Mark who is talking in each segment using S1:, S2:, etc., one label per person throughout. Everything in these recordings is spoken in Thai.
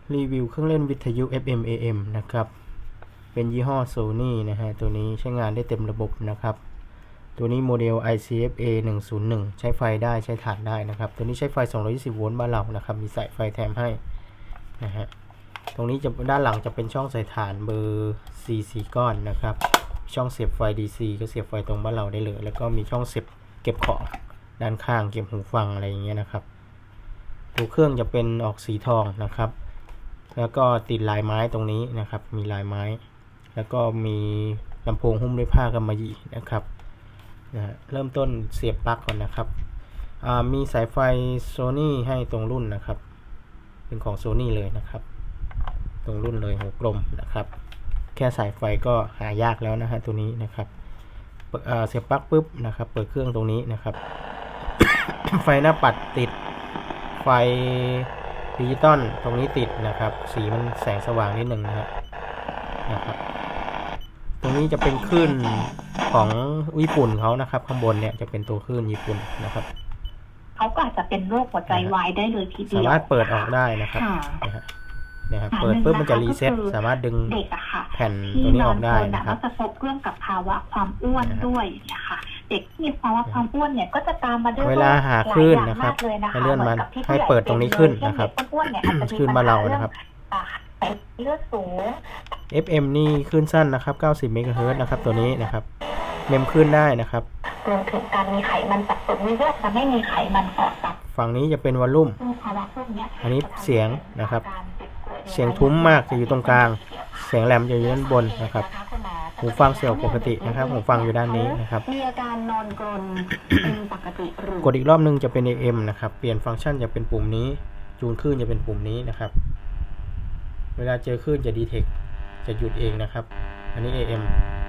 S1: รีวิวเครื่องเล่นวิทยุ FM AM นะครับเป็นยี่ห้อ Sony นะฮะตัวนี้ใช้งานได้เต็มระบบนะครับตัวนี้โมเดล ICFA 101ใช้ไฟได้ใช้ถ่านได้นะครับตัวนี้ใช้ไฟ220โวลต์บ้านเรานะครับมีสายไฟแถมให้นะฮะตรงนี้จะด้านหลังจะเป็นช่องใส่ถ่านเบอร์4 ก้อนนะครับช่องเสียบไฟ DC ก็เสียบไฟตรงบ้านเราได้เลยแล้วก็มีช่องเสียบเก็บของด้านข้างเก็บหูฟังอะไรอย่างเงี้ยนะครับตัวเครื่องจะเป็นออกสีทองนะครับแล้วก็ติดลายไม้ตรงนี้นะครับมีลายไม้แล้วก็มีลำโพงหุ้มด้วยผ้ากำมะหยี่นะครับเริ่มต้นเสียบปลั๊กก่อนนะครับมีสายไฟ Sony ให้ตรงรุ่นนะครับเป็นของ Sony เลยนะครับตรงรุ่นเลยหัวกลมนะครับแค่สายไฟก็หายากแล้วนะฮะตัวนี้นะครับเสียบปลั๊กปุ๊บนะครับเปิดเครื่องตรงนี้นะครับ ไฟหน้าปัดติดไฟดิจิตอลตรงนี้ติดนะครับสีมันแสงสว่างนิดหนึ่งนะครับตรงนี้จะเป็นคลื่นของญี่ปุ่นเขานะครับข้างบนเนี่ยจะเป็นตัวคลื่นญี่ปุ่นนะครับ
S2: เขาก็อาจจะเป็นโรคหัวใจวายได้เลยทีเดียว
S1: สามารถเปิดออกได้นะครับนะครับเปิดปุ๊บมันจะรีเซ็ตสามารถดึงแผ่นตัวนี้ออกได้นะครับ
S2: จะพบเรื่องกับภาวะความอ้วนด้วยนะคะเด็กที่มีภาวะความอ้วนเนี่ยก็จะตามมาด้วย
S1: เวลาหาคลื่นนะครับให้เลื่อนมันให้เปิดตรงนี้ขึ้นนะครับคลื่นมาเรานะครับ
S2: เลือดสูง
S1: FM นี่คลื่นสั้นนะครับ90 เมกะเฮิรตซ์นะครับตัวนี้นะครับเมมคลื่นได้นะครับ
S2: รวมถึงการมีไขมันสะสมในเลือดจะไม่มีไขมันออกจาก
S1: ฝั่งนี้จะเป็นวอลลุ่มอันนี้เสียงนะครับเสียงทุ้มมากจะอยู่ตรงกลางเสียงแหลมจะอยู่ด้านบนนะครับหูฟังเสียงปกตินะครับหูฟังอยู่ด้านนี้นะครับ
S2: มีอาการนอนกรนเป็นปกติหรื
S1: อกดอีกรอบนึงจะเป็น AM นะครับเปลี่ยนฟังก์ชันจะเป็นปุ่มนี้จูนคลื่นจะเป็นปุ่มนี้นะครับเวลาเจอคลื่นจะดีเทคจะหยุดเองนะครับอันนี้ AM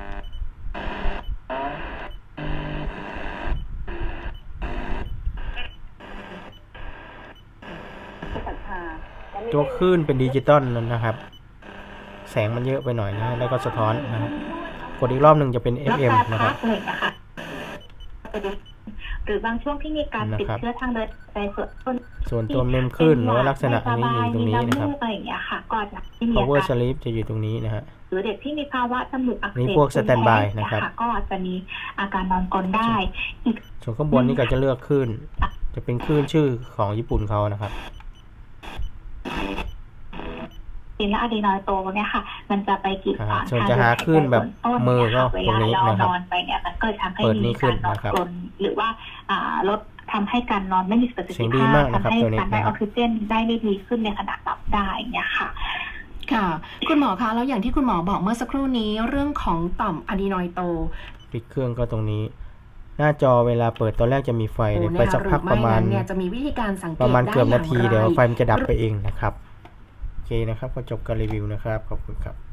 S1: ตัวคลื่นเป็นดิจิตอลนะครับแสงมันเยอะไปหน่อยนะแล้วก็สะท้อนนะครับกดอีกรอบหนึ่งจะเป็น FM นะครับ
S2: หรือบางช่วงที่มีการติดเชื้อทางเดินหายใจ
S1: ส่วนตัวเมมคลื่นหรือว่าลักษณะนี้อยู่ตรงนี้นะครับ Power Sleep จะอยู่ตรงนี้นะฮะ
S2: หรือเด็กที่มีภาวะจมูกอักเสบ
S1: นี่พวก Standby นะครับ
S2: ก็อาจจะมีอาการนอนกรนได้
S1: ส่วนข้างบนนี่ก็จะเลือกคลื่นจะเป็นคลื่นชื่อของญี่ปุ่นเขานะครับ
S2: และอะดรีนอยโตเนี่ยค่ะมันจะไปกีดขวาง
S1: ส่วนจะหาคลื่นแบบมือก็ตรงนี้นะครับ
S2: นอนไปเนี่ยมันก็ทำให้มีการนอนกรนหรือว่าลดทำให้การนอนไม่มีประสิทธิภาพทำให้การได้ออกซิเจนได้ไม่ดีขึ้นในขณะหลับได้เนี่ยค่ะ
S3: ค่ะคุณหมอคะแล้วอย่างที่คุณหมอบอกเมื่อสักครู่นี้เรื่องของต่อมอะดรีนอยโต
S1: ปิดเครื่องก็ตรงนี้หน้าจอเวลาเปิดตอนแรกจะมีไฟไปสักพักประมาณ
S3: จะมีวิธีการสังเกต
S1: ประมาณเกือบนาทีเดี๋ยวไฟมันจะดับไปเองนะครับโอเคนะครับก็จบการรีวิวนะครับขอบคุณครับ